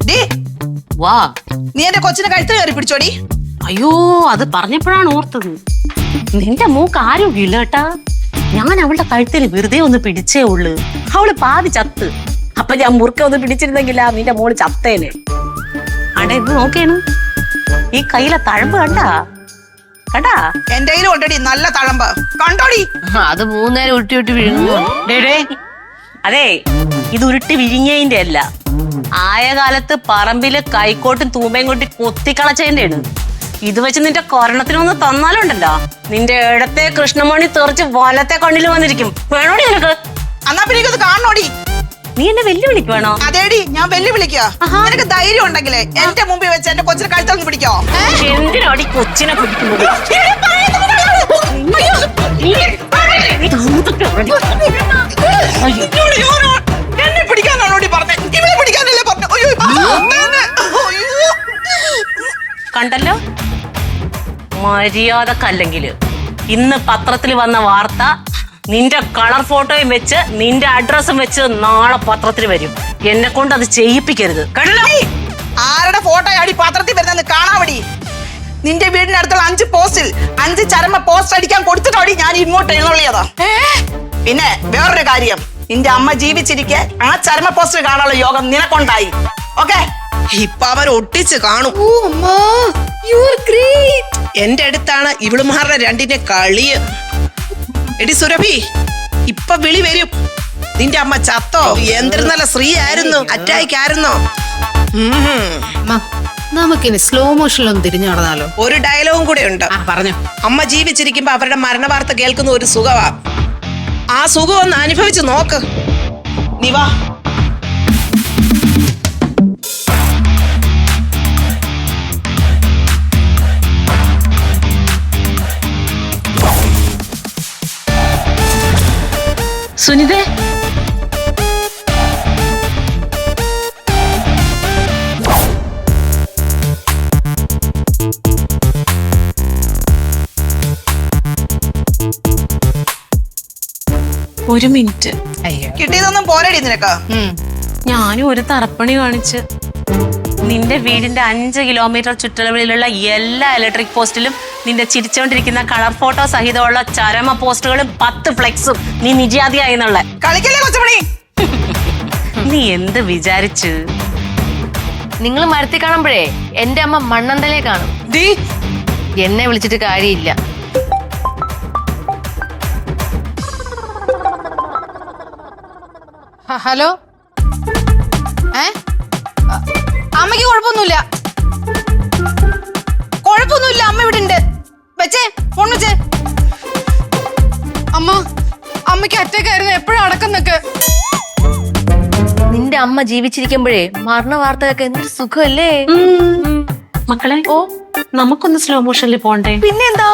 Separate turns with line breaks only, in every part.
വാ.
നീ എന്റെ കൊച്ചിനെ കഴുത്തിൽ കയറി പിടിച്ചോടി.
അയ്യോ, അത് പറഞ്ഞപ്പോഴാണ് ഓർത്തത്. നിന്റെ മൂക്ക് ആരോഗ്യമില്ല കേട്ടാ. ഞാൻ അവളുടെ കഴുത്തിൽ വെറുതെ ഒന്ന് പിടിച്ചേ ഉള്ളു. അവള് പാതി ചത്ത്. അപ്പൊ ഞാൻ മുറുക്ക ഒന്ന് പിടിച്ചിരുന്നെങ്കിലാ നിന്റെ മോള് ചത്തേനെ. അടെ ഇത് നോക്കേണ്, ഈ കയ്യിലെ തഴമ്പ് കണ്ടാ?
എന്റെ കയ്യിലും ഉണ്ടടി നല്ല തഴമ്പ്, കണ്ടോടി.
അത് 3 നേരം ഉരുട്ടി ഉരുട്ടി വീഴുന്നു.
അതെ, ഇത് ഉരുട്ടി വിഴിഞ്ഞതിന്റെ അല്ല, ആയ കാലത്ത് പറമ്പില് കൈക്കോട്ടും തൂമ്പയും കൊട്ടി കൊത്തിക്കളച്ചതിന്റെ ആണ്. ഇത് വെച്ച് നിന്റെ കൊരണത്തിനൊന്ന് തന്നാലുണ്ടല്ലോ, നിന്റെ ഇടത്തെ കൃഷ്ണമണി തെറിച്ച് വലത്തെ കണ്ണിൽ വന്നിരിക്കും. വേണോടി നിനക്ക്?
എന്നാ പിന്നെ ഇത് കാണണോടി.
നീ എന്നെ വെല്ലുവിളിക്ക് വേണോ?
അതേടി, ഞാൻ വെല്ലുവിളിക്കാ. നിനക്ക് ധൈര്യം ഉണ്ടെങ്കിലേ എന്റെ മുമ്പിൽ വെച്ച് എന്റെ കൊച്ചിനെ കഴുത്തൊന്ന് പിടിക്കോ.
എന്തിനാടി കൊച്ചിനെ പിടിക്കുന്നത്?
എന്നെ പിടിക്കാനാണോടി പറഞ്ഞേ? ഇവളെ പിടിക്കാനല്ലേ പറഞ്ഞു?
കണ്ടല്ലോ, മര്യാദക്കല്ലെങ്കില് ഇന്ന് പത്രത്തിൽ വന്ന വാർത്ത നിന്റെ കളർ ഫോട്ടോയും വെച്ച് നിന്റെ അഡ്രസ്സും വെച്ച് നാളെ പത്രത്തിൽ വരും. എന്നെ കൊണ്ട് അത് ചെയ്യിപ്പിക്കരുത്. കണ്ടല്ലോ,
ആരുടെ ഫോട്ടോ ആടി പത്രത്തിൽ വരുന്നെന്ന് കാണാവടി. നിന്റെ വീടിന്റെ അടുത്തുള്ള 5 പോസ്റ്റിൽ 5 ചരമ പോസ്റ്റ് അടിക്കാൻ കൊടുത്തിട്ടോടി ഞാൻ ഇങ്ങോട്ട് എഴുന്നള്ളിയതാ. പിന്നെ വേറൊരു കാര്യം, നിന്റെ അമ്മ ജീവിച്ചിരിക്കെ ആ ചരമ പോസ്റ്റ് കാണാനുള്ള യോഗം നിനക്കൊണ്ടായി. ഓക്കെ, ഇപ്പൊ അവർ ഒട്ടിച്ച് കാണും. എന്റെ അടുത്താണ് ഇവളുമാരുടെ രണ്ടിന്റെ കളിയ്. എടി സുരഭി, ഇപ്പൊ വിളി വരും. നിന്റെ അമ്മ ചത്തോ? എന്തൊരു നല്ല സ്ത്രീ ആയിരുന്നു, അറ്റാക്ക് ആയിരുന്നോ?
നമുക്കിനി സ്ലോ മോഷനിലൊന്നും തിരിഞ്ഞു നടന്നാലോ?
ഒരു ഡയലോഗും കൂടെ ഉണ്ട്.
പറഞ്ഞു.
അമ്മ ജീവിച്ചിരിക്കുമ്പോ അവരുടെ മരണ വാർത്ത കേൾക്കുന്ന ഒരു സുഖമാ. ആ സുഖം ഒന്ന് അനുഭവിച്ച് നോക്ക്. നീ വാ.
സുനിതേ, ഒരു മിനിറ്റ്.
കിട്ടിയതൊന്നും പോരടി നിനക്ക്.
ഞാനും ഒരു തറപ്പണി കാണിച്ച് നിന്റെ വീടിന്റെ 5 കിലോമീറ്റർ ചുറ്റളവിലുള്ള എല്ലാ ഇലക്ട്രിക് പോസ്റ്റിലും നിന്റെ ചിരിച്ചോണ്ടിരിക്കുന്ന കളർ ഫോട്ടോ സഹിതമുള്ള ചരമ പോസ്റ്റുകളും 10 ഫ്ലെക്സും നീ നിര്യാതിയായി എന്നുള്ള.
കളിക്കല്ലേ കൊച്ചുമണി.
നീ എന്ത് വിചാരിച്ചു?
നിങ്ങൾ മരത്തിൽ കാണുമ്പോഴേ എന്റെ അമ്മ മണ്ണന്തലേ കാണും. എന്നെ വിളിച്ചിട്ട് കാര്യമില്ല.
ഹലോ, അമ്മയ്ക്ക് കുഴപ്പമൊന്നുമില്ല. കുഴപ്പമൊന്നുമില്ല, അമ്മ ഇവിടെ ഉണ്ട്. വെച്ചേ, ഫോൺ വെച്ചേ. അമ്മയ്ക്ക് അറ്റാക്ക് ആയിരുന്നു. എപ്പോഴും അടക്കുന്നൊക്കെ.
നിന്റെ അമ്മ ജീവിച്ചിരിക്കുമ്പോഴേ മരണ വാർത്തയൊക്കെ എന്തൊരു സുഖമല്ലേ
മക്കളെ. ഓ, നമുക്കൊന്ന് സ്ലോ മോഷനിൽ പോണ്ടേ?
പിന്നെന്താ.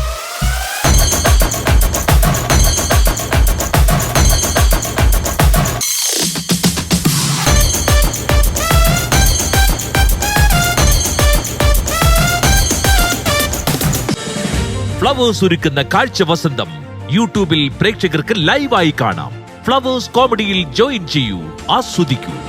ഫ്ലവേഴ്സ് ഒരുക്കുന്ന കാഴ്ച വസന്തം യൂട്യൂബിൽ പ്രേക്ഷകർക്ക് ലൈവായി കാണാം. ഫ്ലവേഴ്സ് കോമഡിയിൽ ജോയിൻ ചെയ്യൂ, ആസ്വദിക്കൂ.